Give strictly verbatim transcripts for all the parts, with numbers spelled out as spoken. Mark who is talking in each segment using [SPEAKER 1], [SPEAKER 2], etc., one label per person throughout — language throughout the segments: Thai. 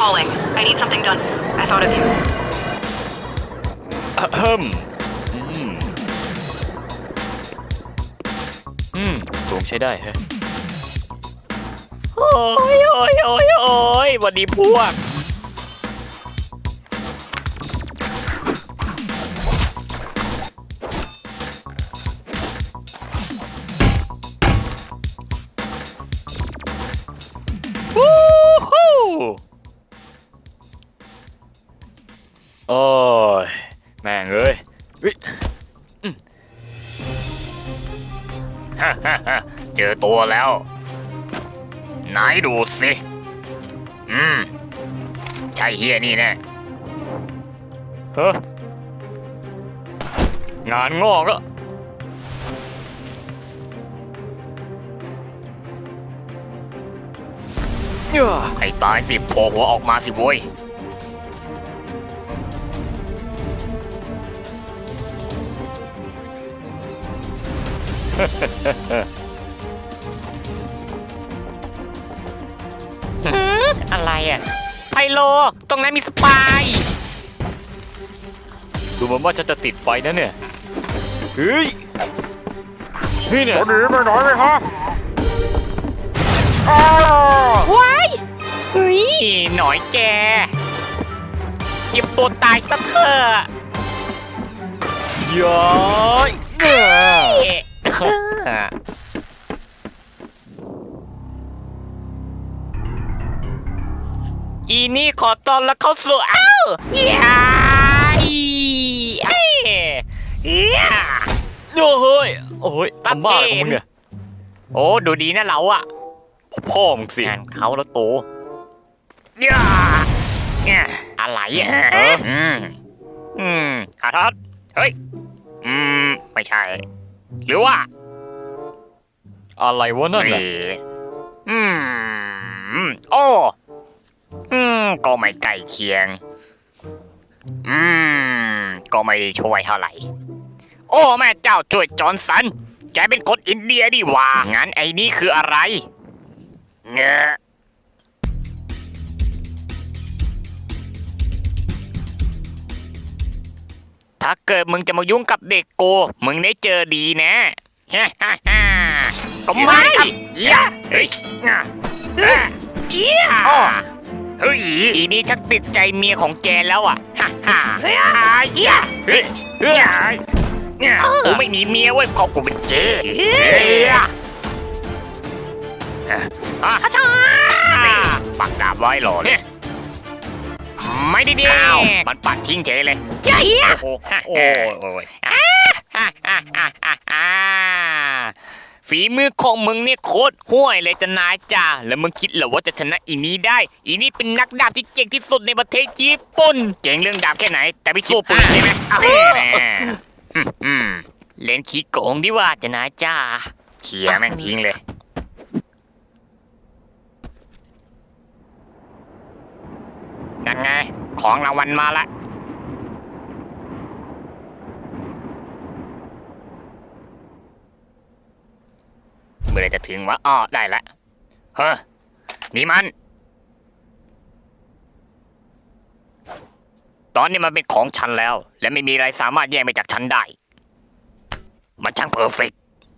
[SPEAKER 1] calling. I need something done. I thought of you.
[SPEAKER 2] อะเฮิมอืมอืมสูงใช้ได้ฮะโอ้ยโอ้ยโอ้ยโอ้ยสวัสดีพวกวู้ฮู้โอ้ยแม่งเอ้ยเฮ้ยอืมฮ่าฮ่าฮ่าเจอตัวแล้วไหนดูสิ อืม ใช่เฮียนี่แน่เฮ้งานงอกแล้วให้ตายสิโผล่หัวออกมาสิโว้ยอะไรอ่ะไพโลตรงนั้นมีสปายดูเหมือนว่าฉันจะติดไฟนะเนี่ยเฮ้ยนี่เนี่ยจะหนีไปไหนเลยฮะว้ายเฮ้ยหน่อยแกเก็บตัวตายซะเถอะย้อยเอ้ยอีนี่ขอต้อนรับเข้าสู่อ้าวย้ายเอ้ยโอ้เฮ้ยโอ้ยทำบ้าของมึงเนี่ยโอ้ดูดีนะเราอะพ่อมึงสิงานเขาแล้วโตย่าเนี่ยอะไรอ่ะอืมอืมอาทัศเฮ้ยอืมไม่ใช่หรือว่าอะไรวะนั่นน่ะอืมโอ้อืมก็ไม่ใกล้เคียงอืมก็ไม่ได้ช่วยเท่าไหร่โอ้แม่เจ้าช่วยจอห์นสันแกเป็นคนอินเดียดิว่างั้นไอ้นี่คืออะไรเงอะถ้าเกิดมึงจะมายุ่งกับเด็กโกมึงได้เจอดีนะฮ่าฮ่าฮ่าก็ไม่ครับเฮ้ยเฮ้ยเจี๊ยเฮ้ยอีนี่ชักติดใจเมียของแกแล้วอ่ะฮ่าฮ่าเฮ้ยเฮ้ยเฮ้ยกูไม่มีเมียเว้ยเพราะกูเป็นเกย์อ่ะช่าปักดาบไว้หรอเนี่ยไม่ได้เดียวมันปัดทิ้งเฉยเลยเฮ้ยโอ้โหโอ้ยฝีมือของมึงเนี่ยโคตรห่วยเลยจะนายจ่าแล้วมึงคิดเหรอว่าจะชนะอีนี้ได้อีนี้เป็นนักดาบที่เก่งที่สุดในประเทศญี่ปุ่นเก่งเรื่องดาบแค่ไหนแต่ไม่สู้ปืนใช่ไหมเล่นขี้โกงดีว่าจะนายจ่าเขี่ยแม่งทิ้งเลยนั่นไงของรางวัลมาละเมื่อไรจะถึงวะอ้อได้ละเฮ้อนี่มันตอนนี้มันเป็นของฉันแล้วและไม่มีอะไรสามารถแย่งไปจากฉันได้มันช่างเพอร์เฟกต์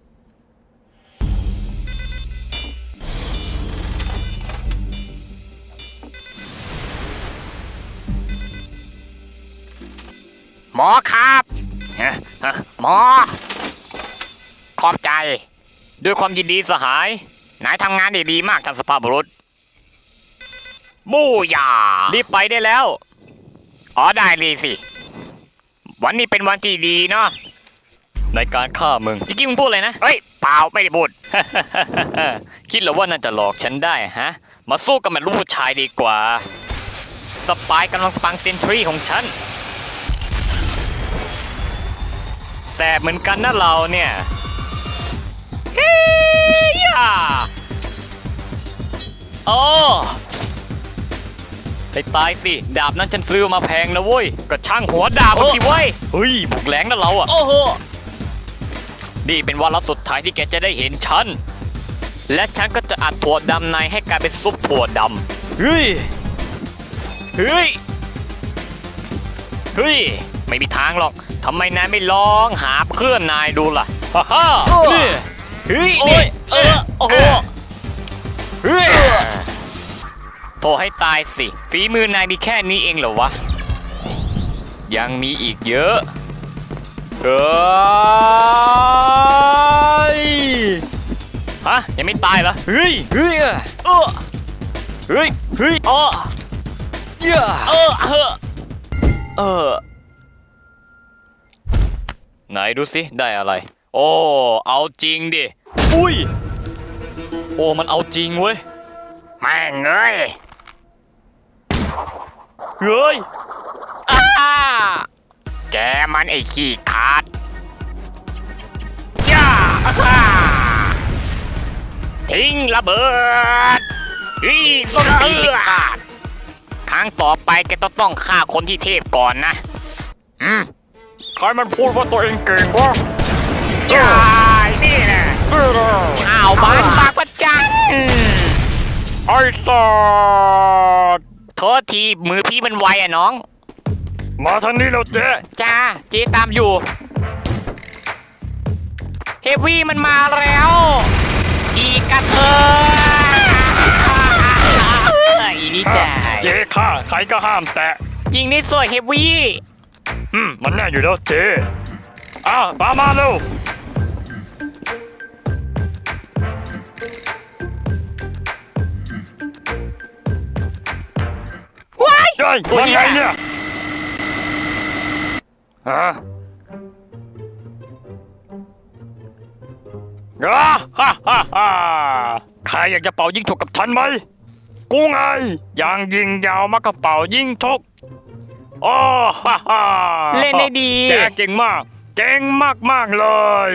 [SPEAKER 2] หมอครับหมอขอบใจด้วยความยินดีสหายนายทำงานได้ดีมากท่านสภาพบุรุษบูยารีบไปได้แล้วอ๋อได้เลยสิวันนี้เป็นวันที่ดีเนาะในการฆ่ามึงจิกกี้มึงพูดเลยนะเฮ้ยเปล่าไม่ได้พูด คิดเหรอว่าน่าจะหลอกฉันได้ฮะมาสู้กับมันลูกผู้ชายดีกว่าสปายกำลังสปังเซนทรีของฉันแสบเหมือนกันนะเราเนี่ยเฮ้ยอ่ะโอ้ไปตายสิดาบนั้นฉันซื้อมาแพงนะเว้ยก็ช่างหัวดาบมันสิเว้ยเฮ้ยบุกแรงนะเราอ่ะโอ้โหนี่เป็นวาระสุดท้ายที่แกจะได้เห็นฉันและฉันก็จะอัดถั่วดำในให้กลายเป็นซุปถั่วดำเฮ้ยเฮ้ยเฮ้ยไม่มีทางหรอกทำไมนายไม่ลองหาเพื่อนนายดูล่ะฮ่าฮ่านี่เฮ้ยนี่เออโอ้โหเฮ้ยโทรให้ตายสิฝีมือนายมีแค่นี้เองเหรอวะยังมีอีกเยอะเฮ้ยฮะยังไม่ตายเหรอเฮ้ยเฮ้ยเออเฮ้ยเฮ้ยอ๋อเยอะเออเออเออไหนดูสิได้อะไรโอ้เอาจริงดิอุ้ยโอ้มันเอาจริงเว้ยแม่งเอ้ยเฮ้ยอ้าแกมันไอ้ขี้ขาดย่าอ้าทิ้งระเบิดอีส้นตีนขาดครั้งต่อไปแกต้องต้องฆ่าคนที่เทพก่อนนะอืมใครมันพูดว่าตัวเองเก่งวะยายนี่แหละชาวบ้านปากประจันไอ้สัสโทษทีมือพี่มันไวอะน้องมาทางนี้แล้วเจ๊จ้าเจ๊ตามอยู่เฮฟวี่มันมาแล้วอีกระเทยอีนี่จ้าเจ๊ข้าใครก็ห้ามแตะจริงนี่สวยเฮฟวี่อืมมันแน่อยู่แล้วเจ๊อ้าวตามมาเร็วว้ายเฮ้ยตัวใหญ่เนี่ยฮะอ่าฮ่าฮ่าฮ่าใครอยากจะเป่ายิงฉุกกับฉันไหมกูไงอย่างยิงยาวมากระเป๋ายิงฉุกโอ้ฮ่าฮ่าเล่นได้ดีแกเก่งมากเก่งมากมากเลย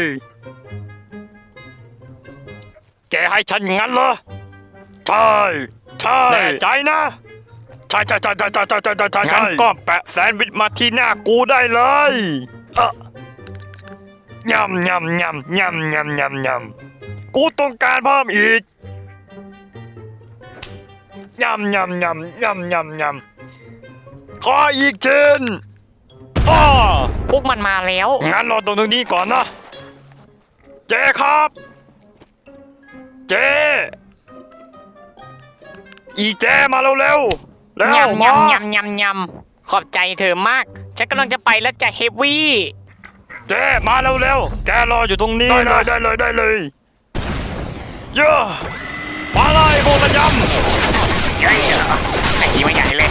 [SPEAKER 2] แกให้ฉันงั้นเหรอใช่ใช่แน่ใจนะใช่ใช่ใช่ใช่ใช่ใช่ใช่ใช่งั้นก็แปะแซนด์วิชมาที่หน้ากูได้เลยเออยำยำยำยำยำยำยำกูต้องการเพิ่มอีกยำยำยำยำยำยำขออีกชิ้นอ้อพวกมันมาแล้วงั้นรอตรงนี้ก่อนนะเจ๊ครับเจ๊อีเจ๊มาเร็วเร็วแล้ว
[SPEAKER 3] ยำยำยำยำยำขอบใจเธอมากฉันกำลังจะไปแล้วจะเฮฟวี่
[SPEAKER 2] เจ๊มาเร็วเร็วแกรออยู่ตรงนี้ได้เลยได้เลยได้เลยเยอะมาเลยพวกระยำ
[SPEAKER 3] เฮ้ยไอ้ที่ไม่ใหญ่เลย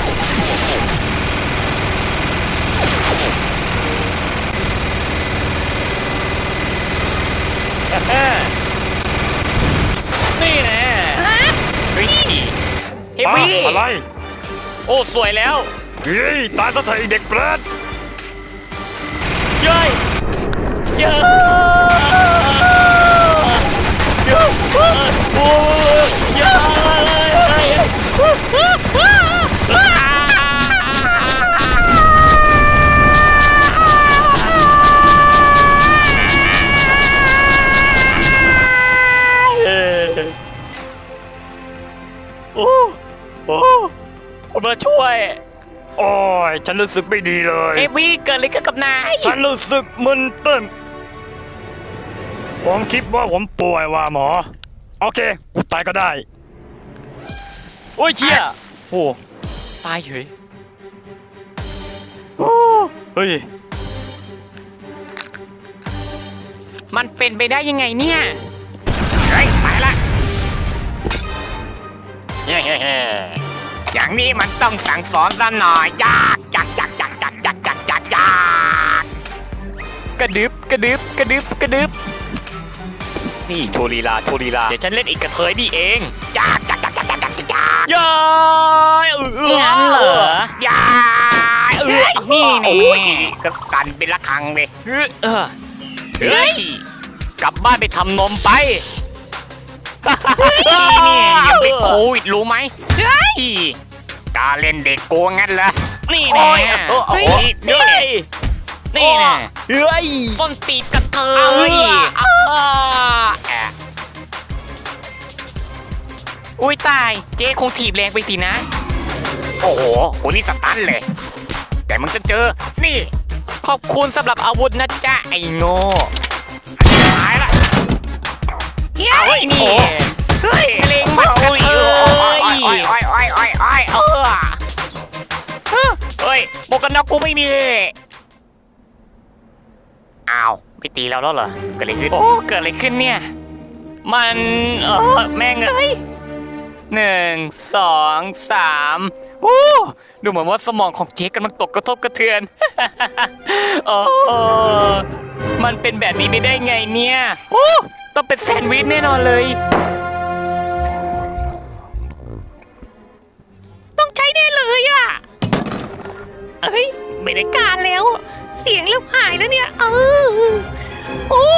[SPEAKER 2] นี่แน่
[SPEAKER 3] เฮ้ยเฮฟวี่
[SPEAKER 2] อะไรโอ้สวยแล้วเฮ้ยตายซะเถอะเด็กเปรตเย้ยเย้ยเย้ยโอ้ยเย้ยโอ้โอ้คุณมาช่วยโอ้ยฉันรู้สึกไม่ดีเลย
[SPEAKER 3] เฮฟวี่เกิดอะไรขึ้นกับนาย
[SPEAKER 2] ฉันรู้สึกมึนตึ้งผมคิดว่าผมป่วยว่ะหมอโอเคกูตายก็ได้โอ้ยเชี่ยโอ้ตายเฉยโอ้เฮ้ย
[SPEAKER 3] มันเป็นไปได้ยังไงเนี่ย
[SPEAKER 2] เฮ้ยไปละ
[SPEAKER 3] เฮ้อย่างนี้มันต้องสั่งสอนซะหน่อยจักจักจักจักจักจักจักจักจัก
[SPEAKER 2] กระดึบกระดึบกระดึบกระดึบนี่โชลีลาโชลีลาเดี๋ยวฉันเล่นอีกกระเทยนี่เอง
[SPEAKER 3] จักจักจักจักจักจักจัก
[SPEAKER 2] ย้ายเออ
[SPEAKER 3] งั้นเหรอยายเออนี่นี่ก็สั่นเป็นระฆังเลย
[SPEAKER 2] เออเฮ้ยกลับบ้านไปทำนมไป
[SPEAKER 3] นี่ยังเป็นโควิดรู้ไหมเฮ้ยกาเล่นเด็กโกงงั้นเหรอนี่แน่เฮ้ยนี่นี่แน่
[SPEAKER 2] เฮ้ย
[SPEAKER 3] ส้นตีนกระเทยอุ้ยตายเจ๊คงถีบแรงไปสินะโอ้โหกูนี่สตันเลย แต่มึงจะเจอ นี่ ขอบคุณสำหรับอาวุธนะจ๊ะไอ้โง่ตายละเอาไอ้นี่เฮ้ยเล็งมาเอ้ยโอ้ยโอ้ยโอ้ยโอ้ยโอ้ยโอ้ยเออเฮ้ยหมวกกันน็อกกูไม่มีอ้าวไม่ตีเราแล้วเหรอเกิดอะไรขึ้นโอ้เกิดอะไรขึ้นเนี่ยมันเออแม่งเอ้ยหนึ่งสองสามโอ้ดูเหมือนว่าสมองของเจ๊กำลังตกกระทบกระเทือนโอ้มันเป็นแบบนี้ไม่ได้ไงเนี่ยโอ้ต้องเป็นแซนด์วิชแน่นอนเลยต้องใช้แน่เลยอ่ะเอ้ยไม่ได้การแล้วเสียงเริ่มหายแล้วเนี่ยเออโอ้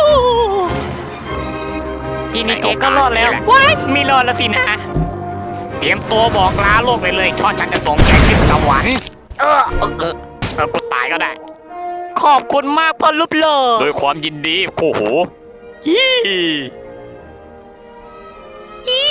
[SPEAKER 3] ทีนี้เจ๊ก็รอดแล้วว้ายไม่รอดแล้วสินะเตรียมตัวบอกลาโลกเลยเลยช่อฉันจะส่งแกขึ้นสวรรค์เออเออเออเออกูตายก็ได้ขอบคุณมากพ่อรูปหล่อโดยความยินดีโอ้โหฮีฮี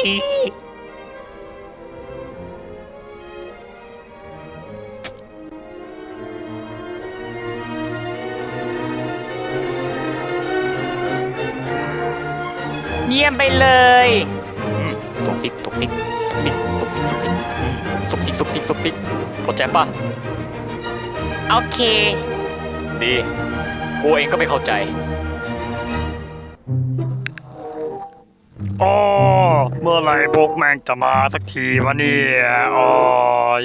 [SPEAKER 3] เยี่ยมไปเลยสุกซิกสุกซิกสุกซิกสุกซิกสุกซิกสุกซิกสุกซิกสุกซิกเข้าใจป่ะโอเคดีกูเองก็ไม่เข้าใจ
[SPEAKER 4] อ๋อเมื่อไหร่พวกแม่งจะมาสักทีวะเนี่ยอ๋อย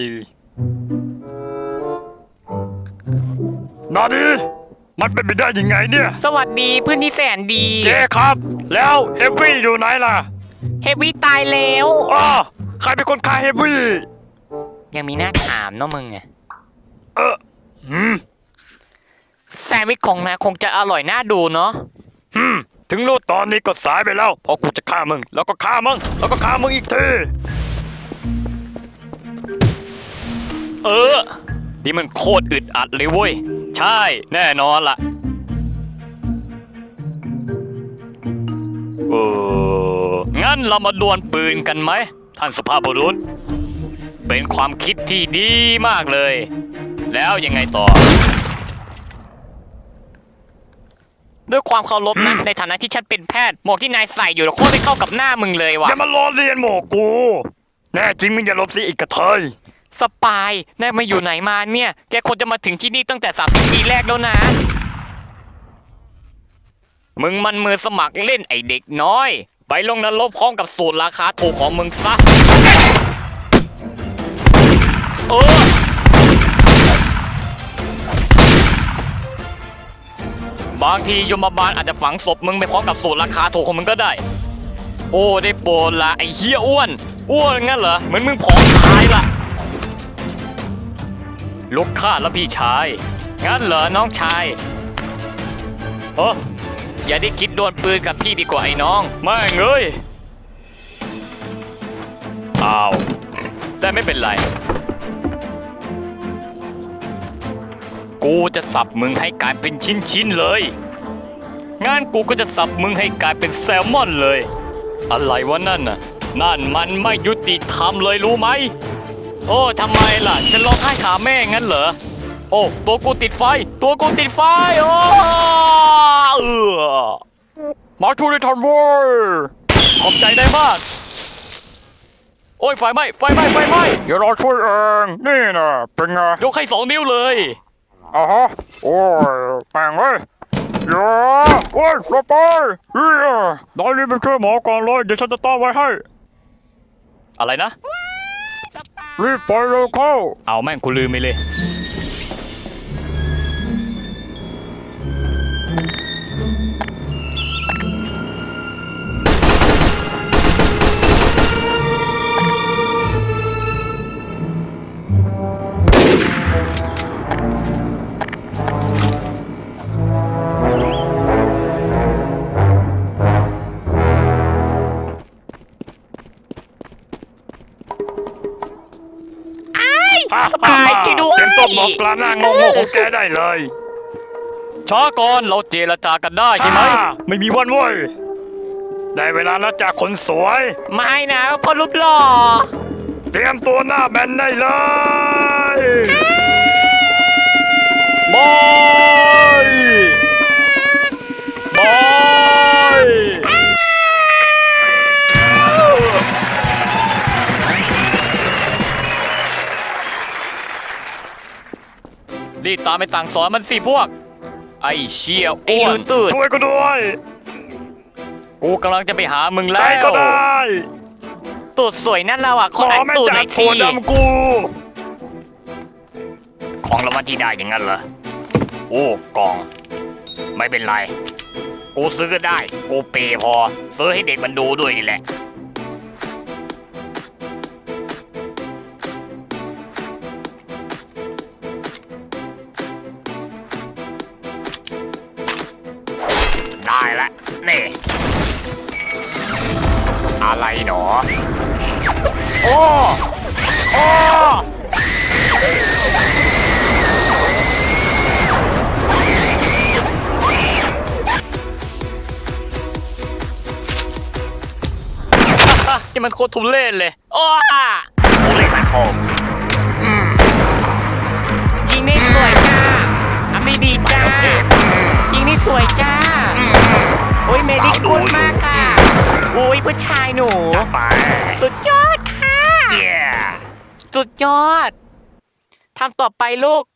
[SPEAKER 4] นาดีมันเป็นไปได้ยังไงเนี่ย
[SPEAKER 3] สวัสดีเพื่อนที่แสนดี
[SPEAKER 4] เจ๊ครับแล้วเฮฟวี่อยู่ไหนล่ะ
[SPEAKER 3] เฮฟวี่ตายแล้ว
[SPEAKER 4] อ๋อใครเป็นคนฆ่าเฮฟวี่
[SPEAKER 3] ยังมีหน้าถามเนาะมึงไง
[SPEAKER 4] เออหืม
[SPEAKER 3] แซนด์วิชของนายคงจะอร่อยน่าดูเนาะ
[SPEAKER 4] หืมถึงรู้ตอนนี้ก็สายไปแล้วพอกูจะฆ่ามึงแล้วก็ฆ่ามึงแล้วก็ฆ่ามึงอีกที
[SPEAKER 2] เออนี่มันโคตรอึดอัดเลยเว้ยใช่แน่นอนล่ะเอองั้นเรามาดวลปืนกันไหมท่านสุภาพบุรุษเป็นความคิดที่ดีมากเลยแล้วยังไงต่อ
[SPEAKER 3] ด้วยความเคารพนะในฐานะที่ฉันเป็นแพทย์หมวกที่นายใส่อยู่โคตรไม่เข้ากับหน้ามึงเลยว่ะ
[SPEAKER 4] อย่ามาล้อเลียนหมวกกูแน่จริงมึงอย่าลบสิอีกกระเทย
[SPEAKER 3] สปายนายมาอยู่ไหนมาเนี่ยแกควรจะมาถึงที่นี่ตั้งแต่สามสิบปีแรกแล้วนะมึงมันมือสมัครเล่นไอเด็กน้อยไปลงนรกพร้อมกับสูตรราคาถูกของมึงซะเออบางทียมบาลอาจจะฝังศพมึงไปพร้อมกับสูตรราคาถูกของมึงก็ได้โอ้ได้โปรดละไอเหี้ยอ้วนอ้วนงั้นเหรอเหมือนมึงผอมตายละลูกข้าแล้วพี่ชายงั้นเหรอน้องชายเอออย่าได้คิดโดนปืนกับพี่ดีกว่าไอ้น้อง
[SPEAKER 2] ไม่เงยอ้าวแต่ไม่เป็นไรกูจะสับมึงให้กลายเป็นชิ้นๆเลยงั้นกูก็จะสับมึงให้กลายเป็นแซลมอนเลยอะไรวะนั่นน่ะนั่นมันไม่ยุติธรรมเลยรู้ไหมโอ้ทำไมล่ะจะร้องไห้หาแม่งั้นเหรอโอ้ตัวกูติดไฟตัวกูติดไฟโอ้เออมาช่วยได้ทันเว้ยขอบใจได้มากโอ้ยไฟไหม้ไฟไหม้ไฟไหม้
[SPEAKER 4] เดี๋ยวเราช่วยเองนี่นะเป็นไง
[SPEAKER 2] ยกให้สองนิ้วเลย
[SPEAKER 4] อ่ะฮะโอ้ยแม่งเลยอย่าโอ้ยลงไปเฮ้ยนายรีบไปช่วยหมอก่อนเลยเดี๋ยวฉันจะต้อนไว้ให้
[SPEAKER 2] อะไรนะ
[SPEAKER 4] รีบไปเร็วเข้า
[SPEAKER 2] เอาแม่งกูลืมไปเลย
[SPEAKER 3] สบายใจด้วย
[SPEAKER 4] เต็มต้นบอกกลางหน้างงๆของแกได้เลย
[SPEAKER 2] ช้าก่อนเราเจรจากันได้ใช่ไหม
[SPEAKER 4] ไม่มีวันเว้ยได้เวลาแล้วจากคนสวย
[SPEAKER 3] ไม่นะพ่อรูปหล่อ
[SPEAKER 4] เตรียมตัวหน้าแบนได้เลยบอยบอย
[SPEAKER 2] รีบตามไปสั่งสอนมันสิพวก ไอ้เชี่ย
[SPEAKER 3] ไอ้
[SPEAKER 2] อ้ว
[SPEAKER 3] ลู
[SPEAKER 2] น
[SPEAKER 3] ตูด
[SPEAKER 4] ช่วยกูด้วย
[SPEAKER 2] กูกำลังจะไปหามึงแล้
[SPEAKER 4] ใช่
[SPEAKER 2] ว
[SPEAKER 4] ก็ได้
[SPEAKER 3] ตูดสวยนั่นเราอ่ะข
[SPEAKER 4] ข
[SPEAKER 3] อ
[SPEAKER 4] อ
[SPEAKER 3] อัน
[SPEAKER 4] แม่ง
[SPEAKER 3] ตูด
[SPEAKER 4] จั
[SPEAKER 3] หน่
[SPEAKER 4] ด
[SPEAKER 3] อย
[SPEAKER 4] ถั่
[SPEAKER 3] ที
[SPEAKER 4] วดำกู
[SPEAKER 2] ของรางวัลที่ได้อย่างนั้นเหรอ โอ้กล่อง ไม่เป็นไร กูซื้อก็ได้ กูเปย์พอ ซื้อให้เด็กมันดูด้วยนี่แหละ ได้ละนี่ อะไรหนอ โอ้ โอ้ นี่มันโคตรทุเรศเลย โอ้ทุเรศมันโคมสิอืม
[SPEAKER 3] ยิงได้สวยจ้าทำได้ดีจ้ายิงได้สวยจ้าโอ้ยเมดิกุลมากค่ะโอ้ยผู้ชายหนู
[SPEAKER 2] จัดไป
[SPEAKER 3] สุดยอดค่ะ
[SPEAKER 2] เย้
[SPEAKER 3] สุดยอดทำต่อไปลูก